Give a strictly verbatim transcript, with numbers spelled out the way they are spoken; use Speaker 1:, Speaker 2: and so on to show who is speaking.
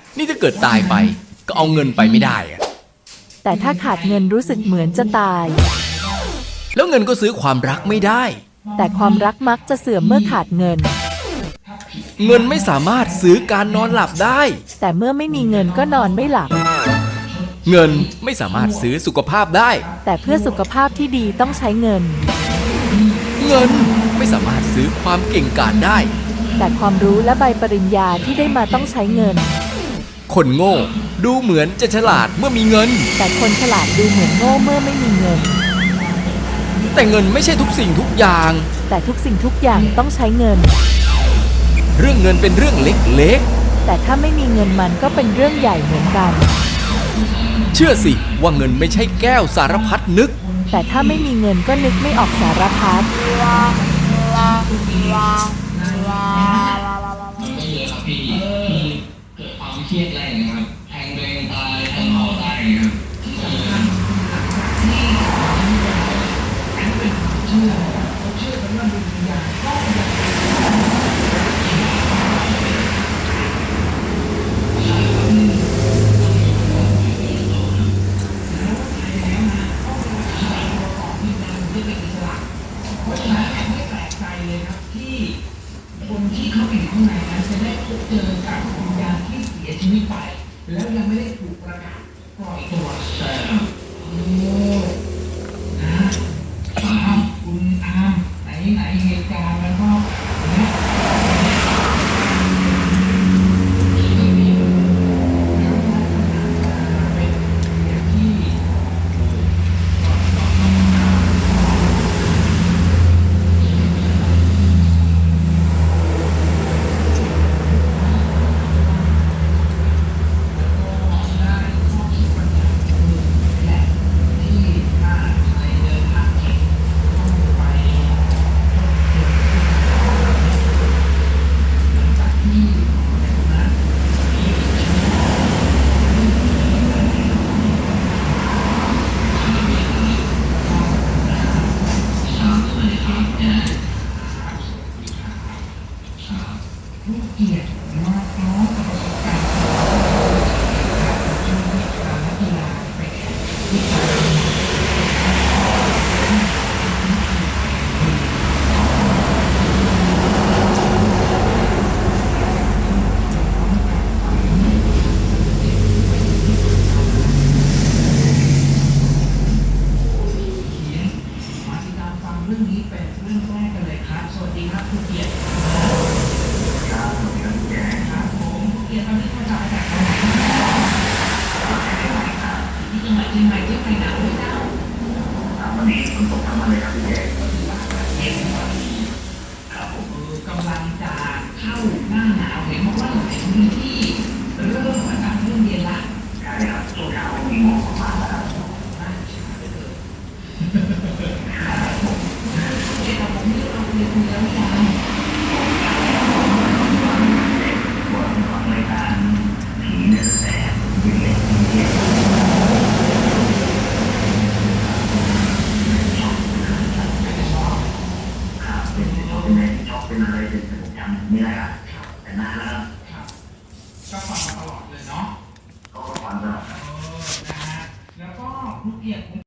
Speaker 1: นี่ถ้าเกิดตายไปก็เอาเงินไปไม่ได้อะ
Speaker 2: แต่ถ้าขาดเงินรู้สึกเหมือนจะตาย
Speaker 1: แล้วเงินก็ซื้อความรักไม่ได้
Speaker 2: แต่ความรักมักจะเสื่อมเมื่อขาดเงิน
Speaker 1: เงินไม่สามารถซื้อการนอนหลับได้
Speaker 2: แต่เมื่อไม่มีเงินก็นอนไม่หลับ
Speaker 1: เงินไม่สามารถซื้อสุขภาพได้
Speaker 2: แต่เพื่อสุขภาพที่ดีต้องใช้เงิน
Speaker 1: เงินไม่สามารถซื้อความเก่งกาจได้
Speaker 2: แต่ความรู้และใบปริญญาที่ได้มาต้องใช้เงิน
Speaker 1: คนโง่ดูเหมือนจะฉลาดเมื่อมีเงิน
Speaker 2: แต่คนฉลาดดูเหมือนโง่เมื่อไม่มีเงิน
Speaker 1: แต่เงินไม่ใช่ทุกสิ่งทุกอย่าง
Speaker 2: แต่ทุกสิ่งทุกอย่างต้องใช้เงิน
Speaker 1: เรื่องเงินเป็นเรื่องเล็ก
Speaker 2: ๆแต่ถ้าไม่มีเงินมันก็เป็นเรื่องใหญ่เหมือนกัน
Speaker 1: เชื่อสิว่าเงินไม่ใช่แก้วสารพัดนึก
Speaker 2: แต่ถ้าไม่มีเงินก็นึกไม่ออกสารพัด
Speaker 3: พี่เกิดความเครียดอะไรนะครับแทงตัวเองตายแทงเขาตายครับเชื่อเชื่อกันว่าดวงวิญญาณก็คนที่เข้าไปข้างในนั้นจะได้พบเจอกับวิญญาณที่เสียชีวิตไปแล้วยังไม่ได้ถูกประกาศปล่อยตัวใช่ครับโอ้นะอามคุณอามไหนไหนเหตุการณ์มันก็นะเรื่องนี้เป็นเรื่องแรกกันเลยครับสวัสดีครับคุณเกียรติครับสวัสดีครับคุณแจ๊ครับผมคุณเกียรติตอนนี้มาจากจังหวัดไหนครับที่จังหวัดเชียงใหม่เชียงใหม่หนาวไหมเจ้าวันนี้ฝนตกทั้งวันเลยครับพี่แจ๊เย็นครับผมกำลังจะเข้าหน้าหนาวเห็นบอกว่าหลายพื้นที่เริ่มอากาศเริ่มเย็นละใช่ครับช่วงเช้ามีหมอกมาแล้วครับเป็นอะไรเป็นผมจำไม่ได้ละแต่นานแล้ว